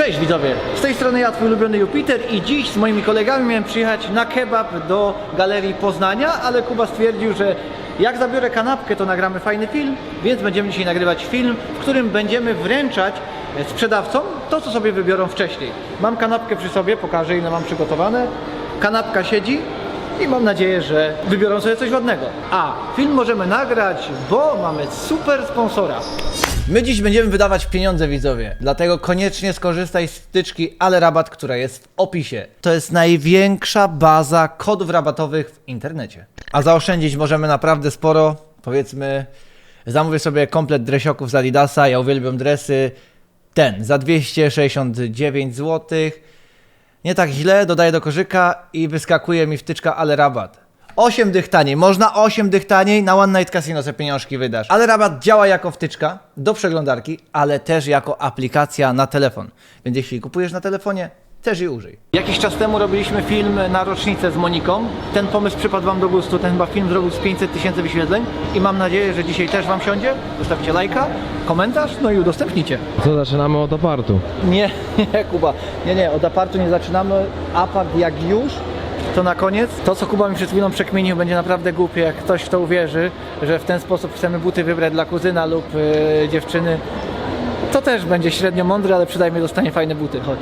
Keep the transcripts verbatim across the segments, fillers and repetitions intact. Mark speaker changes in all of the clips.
Speaker 1: Cześć widzowie, z tej strony ja, twój ulubiony Jupiter i dziś z moimi kolegami miałem przyjechać na kebab do Galerii Poznania, ale Kuba stwierdził, że jak zabiorę kanapkę, to nagramy fajny film, więc będziemy dzisiaj nagrywać film, w którym będziemy wręczać sprzedawcom to, co sobie wybiorą wcześniej. Mam kanapkę przy sobie, pokażę ile mam przygotowane. Kanapka siedzi i mam nadzieję, że wybiorą sobie coś ładnego. A film możemy nagrać, bo mamy super sponsora. My dziś będziemy wydawać pieniądze, widzowie, dlatego koniecznie skorzystaj z wtyczki Ale Rabat, która jest w opisie. To jest największa baza kodów rabatowych w internecie. A zaoszczędzić możemy naprawdę sporo. Powiedzmy, zamówię sobie komplet dresioków z Adidasa, ja uwielbiam dresy. Ten za dwieście sześćdziesiąt dziewięć złotych. Nie tak źle, dodaję do koszyka i wyskakuje mi wtyczka Ale Rabat. osiem dych taniej, można osiem dych taniej, na One Night Casino sobie pieniążki wydasz. Ale Rabat działa jako wtyczka do przeglądarki, ale też jako aplikacja na telefon. Więc jeśli kupujesz na telefonie, też jej użyj. Jakiś czas temu robiliśmy film na rocznicę z Moniką. Ten pomysł przypadł wam do gustu, ten chyba film zrobił z pięćset tysięcy wyświetleń i mam nadzieję, że dzisiaj też wam siądzie. Zostawcie lajka, komentarz, no i udostępnijcie.
Speaker 2: Co, zaczynamy od apartu?
Speaker 1: Nie, nie Kuba, nie, nie, od apartu nie zaczynamy. Apart jak już, to na koniec. To, co Kuba mi przed chwilą przekminił, będzie naprawdę głupie, jak ktoś w to uwierzy, że w ten sposób chcemy buty wybrać dla kuzyna lub yy, dziewczyny. To też będzie średnio mądre, ale przynajmniej dostanie fajne buty. Chodź.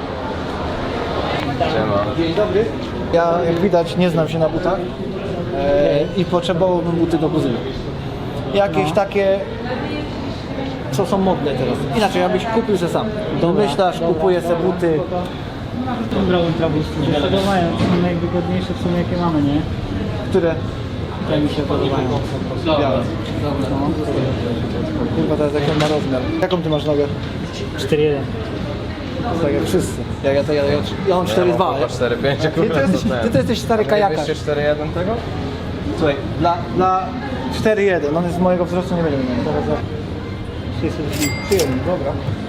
Speaker 2: Siema.
Speaker 1: Dzień dobry. Ja, jak widać, nie znam się na butach e, i potrzebowałbym buty do kuzyna. Jakieś takie, co są modne teraz. Inaczej, abyś kupił se sam. Domyślasz, kupuję se buty.
Speaker 3: Dobra, Ultraboost, się podobają, to są najwygodniejsze w sumie jakie mamy, nie?
Speaker 1: Które?
Speaker 3: Te mi się podobają.
Speaker 1: Białe. Dobra. Kurwa, teraz jaki on ma rozmiar. Jaką ty masz nogę?
Speaker 3: cztery jeden.
Speaker 1: Tak jak wszyscy. Ja, ja, ja, ja, ja mam cztery dwa.
Speaker 2: Ja cztery pięć,
Speaker 1: Ty, ty, jesteś, ty to jesteś stary kajakarz.
Speaker 2: dwieście cztery jeden tego?
Speaker 1: Słuchaj, dla, dla cztery jeden, on jest z mojego wzrostu, nie będzie miał. Teraz za trzy jeden, dobra.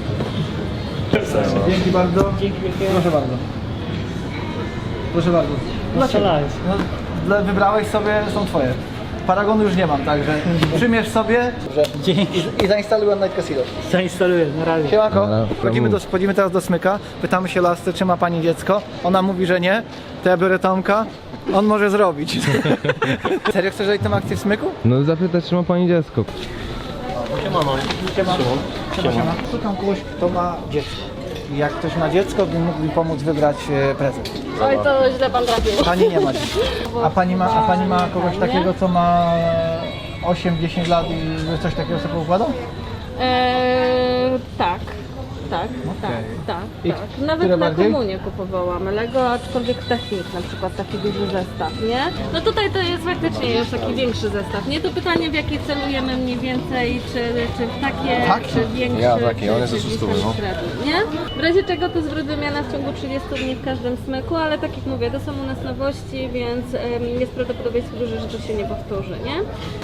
Speaker 1: Dzięki bardzo.
Speaker 3: Dzięki wielkie.
Speaker 1: Proszę bardzo. Proszę bardzo.
Speaker 3: Strzelałeś.
Speaker 1: No, dla- wybrałeś sobie, są twoje. Paragonu już nie mam, także przymierz sobie
Speaker 3: Dzięki.
Speaker 1: i, i zainstaluj One Night Casino.
Speaker 3: Zainstaluję, na razie.
Speaker 1: Siemanko,
Speaker 2: Dobra,
Speaker 1: wchodzimy, do, wchodzimy teraz do smyka, pytamy się lasce, czy ma pani dziecko. Ona mówi, że nie, to ja biorę Tomka, on może zrobić. Serio chcesz dać tę akcję w smyku?
Speaker 2: No zapytać, czy ma pani dziecko.
Speaker 1: Siema. Siema. Siema. Szukam kogoś, kto ma dziecko. I jak ktoś ma dziecko, to mógł mi pomóc wybrać e, prezent.
Speaker 4: Oj, to źle pan trafił.
Speaker 1: Pani nie ma dziecka. A pani ma, a pani ma kogoś takiego, co ma osiem dziesięć lat i że coś takiego sobie układał?
Speaker 4: Eee, tak, tak, tak, tak,
Speaker 1: I
Speaker 4: tak.
Speaker 1: które
Speaker 4: Nawet na
Speaker 1: bardziej?
Speaker 4: komunię kupowałam Lego, aczkolwiek technik, na przykład taki duży zestaw, nie? No tutaj to jest faktycznie już taki większy zestaw, nie? To pytanie, w jakie celujemy mniej więcej, czy, czy w takie,
Speaker 1: Taki?
Speaker 4: czy większy,
Speaker 2: Ja taki,
Speaker 4: czy,
Speaker 2: on jest
Speaker 4: czy
Speaker 2: ze
Speaker 4: gdzieś
Speaker 2: stu,
Speaker 4: tam
Speaker 2: no.
Speaker 4: średni, nie? W razie czego to zwrot wymiana w ciągu trzydziestu dni w każdym smyku, ale tak jak mówię, to są u nas nowości, więc em, jest prawdopodobieństwo duże, że to się nie powtórzy, nie?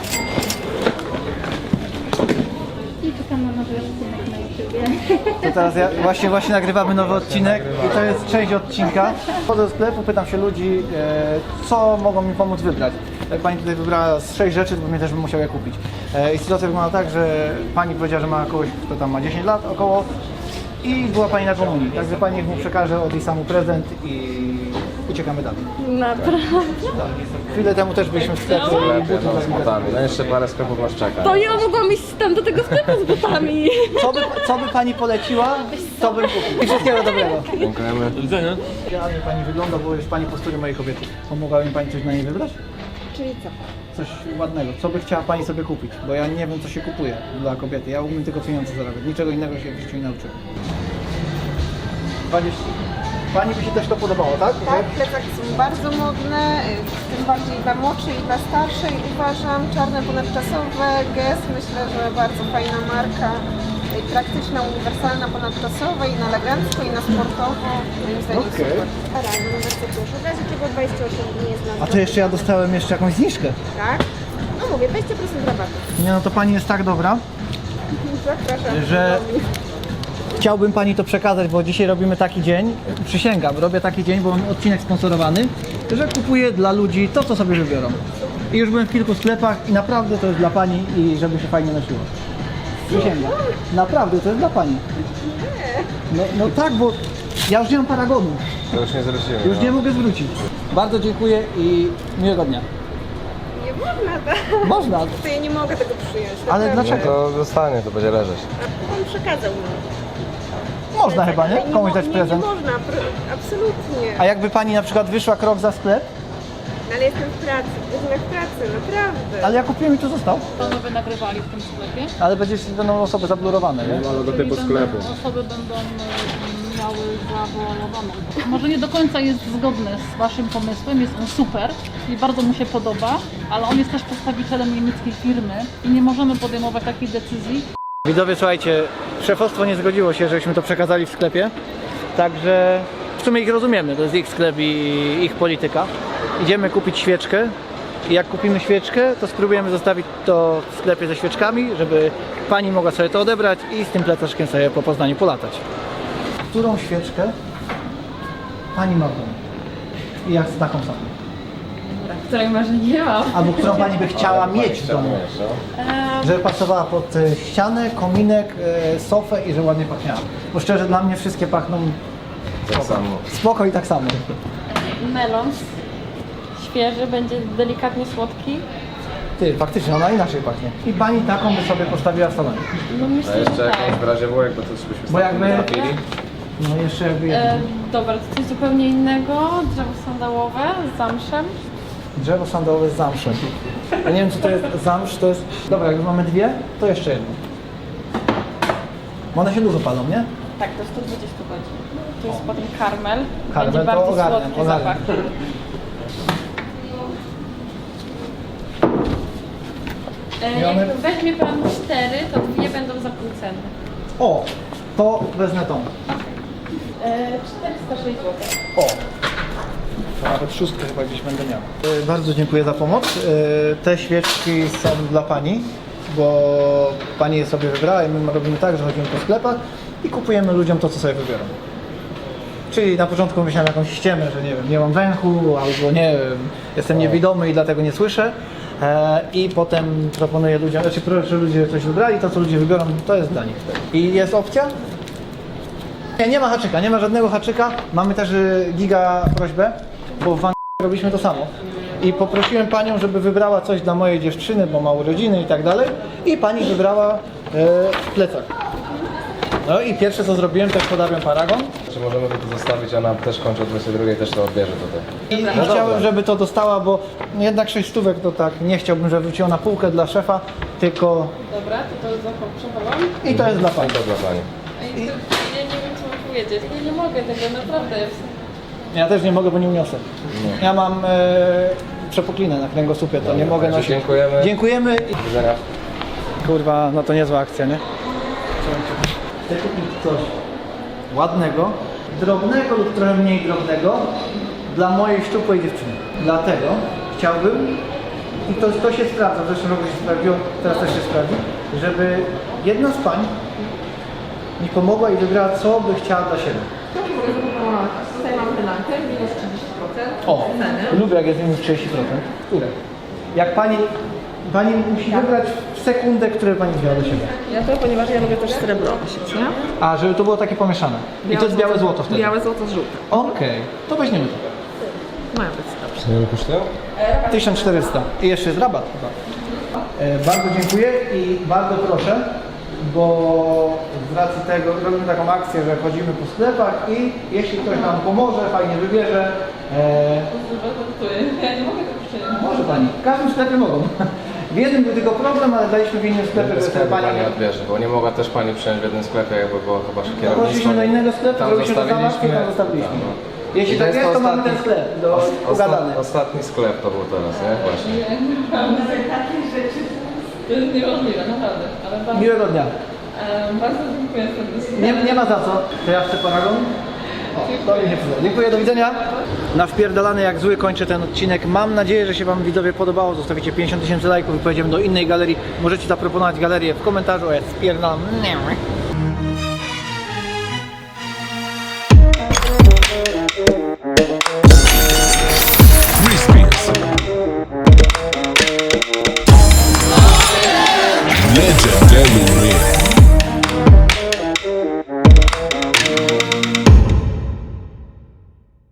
Speaker 5: I czekam na nowy odcinek na YouTubie.
Speaker 1: To teraz ja, właśnie, właśnie nagrywamy nowy odcinek i to jest część odcinka. Wchodzę do sklepu, pytam się ludzi, e, co mogą mi pomóc wybrać. Jak pani tutaj wybrała z sześć rzeczy, to mnie też bym musiał je kupić. E, I sytuacja wygląda tak, że pani powiedziała, że ma kogoś, kto tam ma dziesięć lat około i była pani na komunii. Także pani niech mu przekaże od jej samu prezent i uciekamy dalej.
Speaker 4: Naprawdę.
Speaker 1: Chwilę temu też byliśmy w sklepie i
Speaker 2: Lepiej,
Speaker 1: buty
Speaker 2: no
Speaker 1: do
Speaker 2: z butami. No jeszcze parę sklepów nas czeka.
Speaker 4: To ja mogłam iść tam do tego sklepu z butami.
Speaker 1: Co by, co by pani poleciła, to bym kupił. I wszystkiego dobrego.
Speaker 2: Dziękujemy.
Speaker 1: Idealnie pani wygląda, bo jest pani postury mojej kobiety. Pomogła mi pani coś na niej wybrać?
Speaker 4: Czyli co?
Speaker 1: Coś ładnego. Co by chciała pani sobie kupić? Bo ja nie wiem, co się kupuje dla kobiety. Ja umiem tylko pieniądze zarabiać. Niczego innego się w życiu nie nauczyłem. dwadzieścia. Pani by się też to podobało, tak?
Speaker 6: Tak, plecaki są bardzo modne, y, tym bardziej dla młodszej i dla starszej uważam. Czarne ponadczasowe, Guess, myślę, że bardzo fajna marka. y, Praktyczna, uniwersalna, ponadczasowa i na elegancko i na sportowo. Moim zdaniem
Speaker 1: Okej.
Speaker 6: super. Rano, bardzo dużo. W razie czego dwadzieścia osiem dni jest na
Speaker 1: A to jeszcze ja dostałem jeszcze jakąś zniżkę.
Speaker 6: Tak? No mówię, dwadzieścia procent rabatu.
Speaker 1: Nie no, to pani jest tak dobra,
Speaker 6: Zapraszam.
Speaker 1: że chciałbym pani to przekazać, bo dzisiaj robimy taki dzień, przysięgam, robię taki dzień, bo mam odcinek sponsorowany, że kupuję dla ludzi to, co sobie wybiorą. I już byłem w kilku sklepach i naprawdę to jest dla pani i żeby się fajnie nosiło. Przysięgam. Naprawdę, to jest dla pani. No, no tak, bo ja już nie mam paragonu.
Speaker 2: To już nie zwrócimy.
Speaker 1: Już
Speaker 2: no.
Speaker 1: nie mogę zwrócić. Bardzo dziękuję i miłego dnia.
Speaker 6: Nie można, tak?
Speaker 1: Można,
Speaker 6: To ja nie mogę tego przyjąć.
Speaker 1: ale
Speaker 6: naprawdę.
Speaker 1: dlaczego?
Speaker 2: To zostanie, to będzie leżeć.
Speaker 6: On przekazał mi.
Speaker 1: Można chyba, nie?
Speaker 6: Ale
Speaker 1: Komuś
Speaker 6: mo-
Speaker 1: dać
Speaker 6: nie,
Speaker 1: prezent.
Speaker 6: Nie można, pr- absolutnie.
Speaker 1: A jakby pani na przykład wyszła krok za sklep,
Speaker 6: No, ale jestem w pracy, jestem w pracy, naprawdę.
Speaker 1: ale ja kupiłem i tu został.
Speaker 7: Panowie nagrywali w tym sklepie.
Speaker 1: Ale będzie będą osoby zablurowane, nie?
Speaker 2: Logotypu sklepu.
Speaker 7: Osoby będą e, miały zawoalowaną. Może nie do końca jest zgodny z waszym pomysłem, jest on super i bardzo mu się podoba, ale on jest też przedstawicielem niemieckiej firmy i nie możemy podejmować takiej decyzji.
Speaker 1: Widzowie, słuchajcie, szefostwo nie zgodziło się, żebyśmy to przekazali w sklepie, także w sumie ich rozumiemy, to jest ich sklep i ich polityka. Idziemy kupić świeczkę i jak kupimy świeczkę, to spróbujemy zostawić to w sklepie ze świeczkami, żeby pani mogła sobie to odebrać i z tym plecaczkiem sobie po Poznaniu polatać. Którą świeczkę pani ma w domu? I jak z taką samą?
Speaker 7: Której może nie mam.
Speaker 1: Albo którą pani by chciała mieć w domu? Żeby pasowała pod e, ścianę, kominek, e, sofę i że ładnie pachniała. Bo szczerze, dla mnie wszystkie pachną
Speaker 2: Tak samo.
Speaker 1: spoko i tak samo.
Speaker 8: Melon świeży, będzie delikatnie słodki.
Speaker 1: Ty, faktycznie, ona inaczej pachnie. I pani taką by sobie postawiła w salonie.
Speaker 8: No
Speaker 2: A
Speaker 8: myślę, że
Speaker 2: jeszcze
Speaker 8: tak.
Speaker 2: jakąś w razie W, jakby to byśmy
Speaker 1: Bo jakby-
Speaker 2: trafili.
Speaker 1: No jeszcze jakby jedno.
Speaker 8: E, dobra, to coś zupełnie innego. Drzewo sandałowe z zamszem.
Speaker 1: Drzewo sandałowe z zamszem. Ja nie wiem, co to jest zamsz, to jest... Dobra, jak już mamy dwie, to jeszcze jedno. Bo one się dużo palą, nie?
Speaker 8: Tak, do stu dwudziestu godzin. To jest potem karmel.
Speaker 1: Karmel
Speaker 8: będzie
Speaker 1: to
Speaker 8: bardzo
Speaker 1: ogarniam,
Speaker 8: słodki
Speaker 1: ogarniam.
Speaker 8: zapach. E,
Speaker 1: I one-
Speaker 8: jak weźmie pan cztery, to dwie będą za pół ceny.
Speaker 1: O, to wezmę tą.
Speaker 8: E, czterysta sześć złotych.
Speaker 1: O! To nawet szóstkę chyba gdzieś będę miał. E, Bardzo dziękuję za pomoc. E, Te świeczki są dla pani, bo pani je sobie wybrała i my robimy tak, że chodzimy po sklepach i kupujemy ludziom to, co sobie wybiorą. Czyli na początku myślałem jakąś ściemę, że nie wiem, nie mam węchu, albo nie wiem, jestem niewidomy i dlatego nie słyszę. E, I potem proponuję ludziom, znaczy proszę, że ludzie coś wybrali, to co ludzie wybiorą, to jest dla nich. I jest opcja? Nie, nie ma haczyka, nie ma żadnego haczyka. Mamy też y, giga prośbę, bo w Wang robiliśmy to samo. I poprosiłem panią, żeby wybrała coś dla mojej dziewczyny, bo ma urodziny i tak dalej. I pani wybrała y, plecak. No i pierwsze co zrobiłem, też podawiam paragon.
Speaker 2: Czy możemy to zostawić, ona też kończy o dwudziestej drugiej, też to odbierze tutaj.
Speaker 1: I, i
Speaker 2: No
Speaker 1: chciałem,
Speaker 2: dobra.
Speaker 1: żeby to dostała, bo jednak sześć stówek to tak, nie chciałbym, żeby wróciło na półkę dla szefa, tylko
Speaker 8: Dobra, to to zaprzechował.
Speaker 1: i to jest dla pani.
Speaker 2: To dla pani.
Speaker 8: I to, ja nie wiem, co mam powiedzieć. Ja nie mogę tego, naprawdę.
Speaker 1: Ja też nie mogę, bo nie uniosę. Ja mam e, przepuklinę na kręgosłupie, to nie mogę
Speaker 2: Także
Speaker 1: nosić.
Speaker 2: dziękujemy.
Speaker 1: Dziękujemy.
Speaker 2: Do widzenia.
Speaker 1: Kurwa, no to niezła akcja, nie? Chcę kupić coś ładnego, drobnego lub trochę mniej drobnego dla mojej szczupłej dziewczyny. Dlatego chciałbym, i to, to się sprawdza, w zeszłym roku się sprawdziło, teraz też się sprawdzi, żeby jedna z pań mi pomogła i wybrała, co by chciała dla siebie.
Speaker 4: Tutaj mam wynankę, minus trzydzieści procent.
Speaker 1: O, lubię jak jest minus trzydzieści procent. Które? Jak pani, pani musi wybrać w sekundę, które pani wzięła do siebie.
Speaker 6: Ja to, ponieważ ja lubię też srebro nosić, nie?
Speaker 1: A, żeby to było takie pomieszane. I to jest białe złoto wtedy.
Speaker 6: Białe złoto z żółtym.
Speaker 1: Okej, to weźmiemy to.
Speaker 6: Mają być dobrze.
Speaker 2: Co ile kosztują?
Speaker 1: tysiąc czterysta. I jeszcze jest rabat chyba. E, bardzo dziękuję i bardzo proszę, bo z racji tego robimy taką akcję, że chodzimy po sklepach i jeśli ktoś nam pomoże, fajnie wybierze, e,
Speaker 8: Ja nie mogę tego przyjąć.
Speaker 1: może pani. W każdym sklepie mogą. W jednym był tylko problem, ale daliśmy w innym sklepie,
Speaker 2: Inny
Speaker 1: że
Speaker 2: sklep
Speaker 1: pani
Speaker 2: pani odbierze, bo nie mogła też pani przyjąć w jednym sklepie, jakby było chyba kierownictwo.
Speaker 1: Poszliśmy do innego sklepu,
Speaker 2: Tam
Speaker 1: zrobiliśmy to samo,
Speaker 2: zostawiliśmy.
Speaker 1: i tam zostawiliśmy.
Speaker 2: Tam, no.
Speaker 1: Jeśli
Speaker 2: I
Speaker 1: tak jest, to mamy
Speaker 2: ostatni-
Speaker 1: ten sklep do
Speaker 2: os-
Speaker 1: ugadany.
Speaker 2: osta- Ostatni sklep to był teraz, nie? Właśnie.
Speaker 8: To jest niemożliwe, naprawdę. Ale bardzo,
Speaker 1: Miłego dnia.
Speaker 8: e, bardzo dziękuję serdecznie.
Speaker 1: Nie, nie ma za co. To ja chcę paragon. O, to mi się przyda. Dziękuję, do widzenia. Na wpierdalany jak zły kończę ten odcinek. Mam nadzieję, że się Wam widzowie podobało. Zostawicie pięćdziesiąt tysięcy lajków i pojedziemy do innej galerii. Możecie zaproponować galerię w komentarzu, a ja spierdalam.